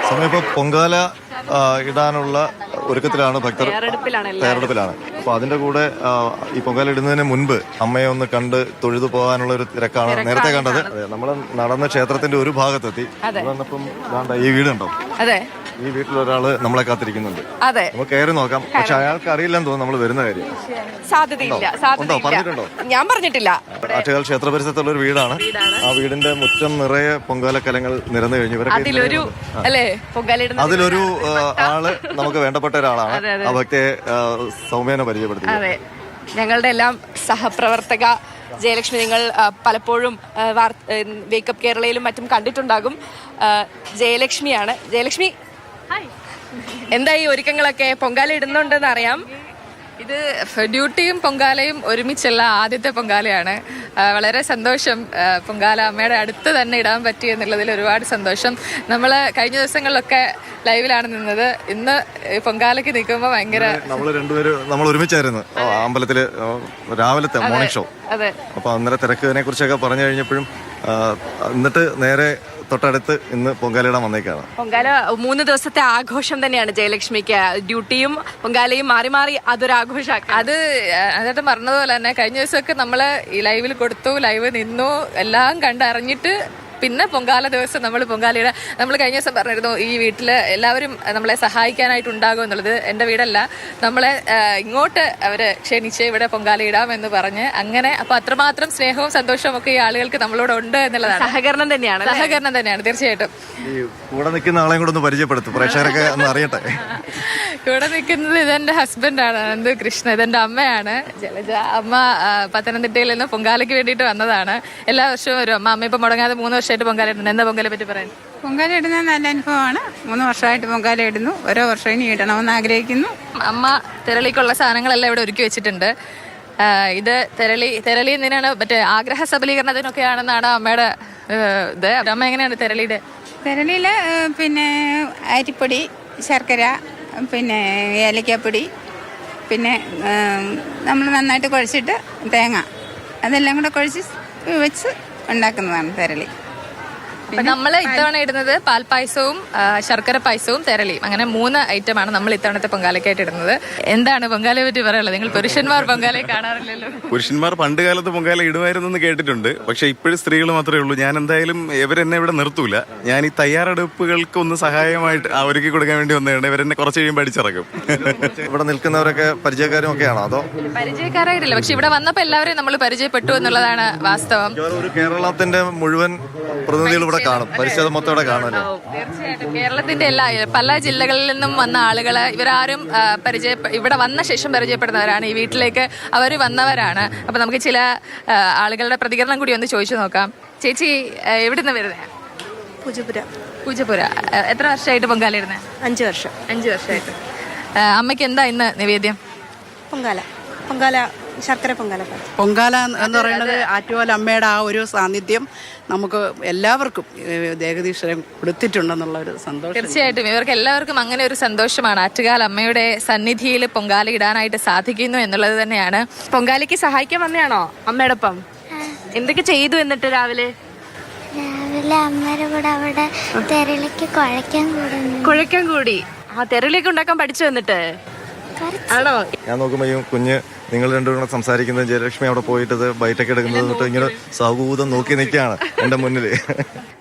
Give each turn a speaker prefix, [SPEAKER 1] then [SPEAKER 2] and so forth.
[SPEAKER 1] സമയം ഇപ്പോൾ പൊങ്കാല ഇടാനുള്ള ഒരുക്കത്തിലാണ് ഭക്തർ, തയ്യാറെടുപ്പിലാണ്. അപ്പൊ അതിന്റെ കൂടെ ഈ പൊങ്കാല ഇടുന്നതിന് മുൻപ് അമ്മയെ ഒന്ന് കണ്ട് തൊഴുതു പോകാനുള്ള ഒരു തിരക്കാണ് നേരത്തെ കണ്ടത്. നമ്മൾ നടന്ന ക്ഷേത്രത്തിന്റെ ഒരു ഭാഗത്തെത്തി. വന്നപ്പം ഈ വീടുണ്ടോ?
[SPEAKER 2] അതെ,
[SPEAKER 1] ഈ വീട്ടിലൊരാള് നമ്മളെ കാത്തിരിക്കുന്നുണ്ട്.
[SPEAKER 2] അതെ,
[SPEAKER 1] നമുക്ക് കയറി നോക്കാം. പക്ഷെ അയാൾക്ക് അറിയില്ലെന്ന് തോന്നുന്നു നമ്മൾ വരുന്ന കാര്യം.
[SPEAKER 2] സാധ്യതയില്ല.
[SPEAKER 1] പറഞ്ഞിട്ടുണ്ടോ?
[SPEAKER 2] ഞാൻ പറഞ്ഞിട്ടില്ല.
[SPEAKER 1] ആറ്റുകാൽ ക്ഷേത്ര പരിസരത്തുള്ള ഒരു വീടാണ്. ആ വീടിന്റെ മുറ്റം നിറയെ പൊങ്കാലക്കലങ്ങൾ നിറഞ്ഞു കഴിഞ്ഞു. അതിലൊരു ആള് നമുക്ക് വേണ്ടപ്പെട്ട ഒരാളാണ്. ആ ഭക്തിയെ സൗമ്യനെ പരിചയപ്പെടുത്തി.
[SPEAKER 2] അതെ, ഞങ്ങളുടെ എല്ലാം സഹപ്രവർത്തക ജയലക്ഷ്മി. നിങ്ങൾ പലപ്പോഴും വേക്കപ്പ് കേരളയിലും മറ്റും കണ്ടിട്ടുണ്ടാകും. ജയലക്ഷ്മിയാണ്. ജയലക്ഷ്മി, എന്താ ഈ ഒരുക്കങ്ങളൊക്കെ? പൊങ്കാല ഇടുന്നുണ്ടെന്ന് അറിയാം.
[SPEAKER 3] ഇത് ഡ്യൂട്ടിയും പൊങ്കാലയും ഒരുമിച്ചുള്ള ആദ്യത്തെ പൊങ്കാലയാണ്. വളരെ സന്തോഷം. പൊങ്കാല അമ്മയുടെ അടുത്ത് തന്നെ ഇടാൻ പറ്റി എന്നുള്ളതിൽ ഒരുപാട് സന്തോഷം. നമ്മൾ കഴിഞ്ഞ ദിവസങ്ങളിലൊക്കെ ലൈവിലാണ് നിന്നത്. ഇന്ന് പൊങ്കാലയ്ക്ക് നിൽക്കുമ്പോൾ ഭയങ്കര
[SPEAKER 1] നമ്മൾ ഒരുമിച്ചായിരുന്നു അമ്പലത്തില് രാവിലത്തെ മോർണിംഗ് ഷോ.
[SPEAKER 3] അതെ,
[SPEAKER 1] അപ്പൊ അന്നേരം തിരക്കിനെ കുറിച്ചൊക്കെ പറഞ്ഞു കഴിഞ്ഞപ്പോഴും എന്നിട്ട് നേരെ തൊട്ടടുത്ത് ഇന്ന് പൊങ്കാലയിടാൻ വന്നേക്കാണ്.
[SPEAKER 2] പൊങ്കാല 3 ദിവസത്തെ ആഘോഷം തന്നെയാണ് ജയലക്ഷ്മിക്ക്. ഡ്യൂട്ടിയും പൊങ്കാലയും മാറി മാറി അതൊരു ആഘോഷമാക്കി.
[SPEAKER 3] അത് അതിനകത്ത് പറഞ്ഞതുപോലെ തന്നെ കഴിഞ്ഞ ദിവസമൊക്കെ നമ്മള് ഈ ലൈവിൽ കൊടുത്തു, ലൈവ് നിന്നു, എല്ലാം കണ്ടറിഞ്ഞിട്ട് പിന്നെ പൊങ്കാല ദിവസം നമ്മൾ പൊങ്കാലയുടെ നമ്മൾ കഴിഞ്ഞ ദിവസം പറഞ്ഞിരുന്നു ഈ വീട്ടില് എല്ലാവരും നമ്മളെ സഹായിക്കാനായിട്ട് ഉണ്ടാകും എന്നുള്ളത്. എൻ്റെ വീടല്ല, നമ്മളെ ഇങ്ങോട്ട് അവര് ക്ഷണിച്ച് ഇവിടെ പൊങ്കാല ഇടാം എന്ന് പറഞ്ഞ് അങ്ങനെ. അപ്പൊ അത്രമാത്രം സ്നേഹവും സന്തോഷവും ഒക്കെ ഈ ആളുകൾക്ക് നമ്മളോട് ഉണ്ട് എന്നുള്ളതാണ്.
[SPEAKER 2] സഹകരണം തന്നെയാണ്
[SPEAKER 3] തീർച്ചയായിട്ടും.
[SPEAKER 1] കൂടെ നിൽക്കുന്ന ആളെയും കൂടെ ഒന്ന് പരിചയപ്പെടുത്തും, പ്രേക്ഷകരൊക്കെ ഒന്ന് അറിയട്ടെ.
[SPEAKER 3] കൂടെ നിൽക്കുന്നത് ഇതെന്റെ ഹസ്ബൻഡാണ് അനന്ത് കൃഷ്ണ. ഇതെന്റെ അമ്മയാണ് ജലജ. അമ്മ പത്തനംതിട്ടയിൽ നിന്ന് പൊങ്കാലയ്ക്ക് വേണ്ടിയിട്ട് വന്നതാണ്. എല്ലാ വർഷവും വരും അമ്മ. അമ്മ ഇപ്പൊ മുടങ്ങാതെ 3 വർഷമായിട്ട് പൊങ്കാല ഇടുന്നു. എന്താ പൊങ്കാലയെ പറ്റി പറയാൻ?
[SPEAKER 4] പൊങ്കാല ഇടുന്നത് നല്ല അനുഭവമാണ്. 3 വർഷമായിട്ട് പൊങ്കാല ഇടുന്നു. ഓരോ വർഷം ഇനി ഇടണമെന്ന് ആഗ്രഹിക്കുന്നു.
[SPEAKER 3] അമ്മ തിരളിക്കുള്ള സാധനങ്ങളെല്ലാം ഇവിടെ ഒരുക്കി വെച്ചിട്ടുണ്ട്. ഇത് തിരളി എന്തിനാണ്? മറ്റേ ആഗ്രഹ സബലീകരണത്തിനൊക്കെയാണെന്നാണ് അമ്മയുടെ ഇത്. അമ്മ എങ്ങനെയാണ് തിരളിയുടെ?
[SPEAKER 4] തിരളിയിൽ പിന്നെ അരിപ്പൊടി, ശർക്കര, പിന്നെ ഏലക്കാപ്പൊടി, പിന്നെ നമ്മൾ നന്നായിട്ട് കുഴച്ചിട്ട് തേങ്ങ അതെല്ലാം കൂടെ കുഴച്ച് വെച്ച് ഉണ്ടാക്കുന്നതാണ് തിരളി.
[SPEAKER 3] അപ്പൊ നമ്മൾ ഇത്തവണ ഇടുന്നത് പാൽപ്പായസവും ശർക്കര പായസവും തിരളിയും. അങ്ങനെ 3 ഐറ്റമാണ് നമ്മൾ ഇത്തവണത്തെ പൊങ്കാലയ്ക്കായിട്ട് ഇടുന്നത്. എന്താണ് പൊങ്കാലയെ പറ്റി പറയാനുള്ളത്? നിങ്ങൾ പുരുഷന്മാർ പൊങ്കാലയെ കാണാറില്ലല്ലോ.
[SPEAKER 5] പുരുഷന്മാർ പണ്ട് കാലത്ത് പൊങ്കാല ഇടുമായിരുന്നു എന്ന് കേട്ടിട്ടുണ്ട്. പക്ഷെ ഇപ്പോഴും സ്ത്രീകൾ മാത്രമേ ഉള്ളൂ. ഞാൻ എന്തായാലും ഇവരെന്നെ ഇവിടെ നിർത്തൂല. ഞാൻ ഈ തയ്യാറെടുപ്പുകൾക്ക് ഒന്ന് സഹായമായിട്ട് ഒരുക്കി കൊടുക്കാൻ വേണ്ടി വന്നതാണ്. ഇവരെന്നെ കുറച്ച് കഴിയുമ്പോൾ അടിച്ചിറക്കും.
[SPEAKER 1] ഇവിടെ നിൽക്കുന്നവരൊക്കെ പരിചയക്കാരും ഒക്കെയാണോ? അതോ
[SPEAKER 3] പരിചയക്കാരായിട്ടില്ല, പക്ഷെ ഇവിടെ വന്നപ്പോൾ എല്ലാവരെയും നമ്മൾ പരിചയപ്പെട്ടു എന്നുള്ളതാണ് വാസ്തവം.
[SPEAKER 1] ഒരു കേരളത്തിന്റെ മുഴുവൻ പ്രതിനിധികൾ ഇവിടെ കാണും, പരിസ്ഥിതി മൊത്തം ഇവിടെ കാണുമല്ലോ.
[SPEAKER 3] തീർച്ചയായിട്ടും കേരളത്തിന്റെ പല ജില്ലകളിൽ നിന്നും വന്ന ആളുകള് ഇവരാരും ഇവിടെ വന്ന ശേഷം പരിചയപ്പെടുന്നവരാണ്. ഈ വീട്ടിലേക്ക് അവർ വന്നവരാണ്. അപ്പൊ നമുക്ക് ചില ആളുകളുടെ പ്രതികരണം കൂടി ഒന്ന് ചോദിച്ചു നോക്കാം. ചേച്ചി എവിടുന്ന് വരുന്നത്? പൂജപ്പുര. എത്ര വർഷമായിട്ട് പൊങ്കാല ഇടുന്നത്?
[SPEAKER 6] 5 വർഷം.
[SPEAKER 3] 5 വർഷമായിട്ട്. അമ്മയ്ക്ക് എന്താ ഇന്ന് നിവേദ്യം?
[SPEAKER 6] പൊങ്കാല ശർക്കര
[SPEAKER 7] പൊങ്കാല എന്ന് പറയുന്നത് ആറ്റുകാൽ അമ്മയുടെ ആ ഒരു സാന്നിധ്യം നമുക്ക് എല്ലാവർക്കും ദേഹദീശ്വരം കൊടുത്തിട്ടുണ്ടെന്നുള്ള ഒരു സന്തോഷം.
[SPEAKER 3] തീർച്ചയായിട്ടും ഇവർക്ക് എല്ലാവർക്കും അങ്ങനെ ഒരു സന്തോഷമാണ്. ആറ്റുകാൽ അമ്മയുടെ സന്നിധിയിൽ പൊങ്കാല ഇടാനായിട്ട് സാധിക്കുന്നു എന്നുള്ളത് തന്നെയാണ്.
[SPEAKER 2] പൊങ്കാലയ്ക്ക് സഹായിക്കാൻ വന്നയാണോ അമ്മയുടെ ഒപ്പം? എന്തൊക്കെ ചെയ്തു? എന്നിട്ട് രാവിലെ
[SPEAKER 8] അമ്മയുടെ കൂടെ അവിടെ തെരളിക്ക്
[SPEAKER 2] കുഴയ്ക്കാൻ കൂടി. ആ തെരളിയൊക്കെ ഉണ്ടാക്കാൻ പഠിച്ചു എന്നിട്ട് ആണോ?
[SPEAKER 1] ഞാൻ നോക്കുമ്പോ ഈ കുഞ്ഞ് നിങ്ങൾ രണ്ടുപേരും സംസാരിക്കുന്നത് ജയലക്ഷ്മി അവിടെ പോയിട്ട് ബൈറ്റൊക്കെ എടുക്കുന്നത് തൊട്ട് ഇങ്ങനെ സൗഹൃദം നോക്കി നിൽക്കുകയാണ് എന്റെ മുന്നിൽ.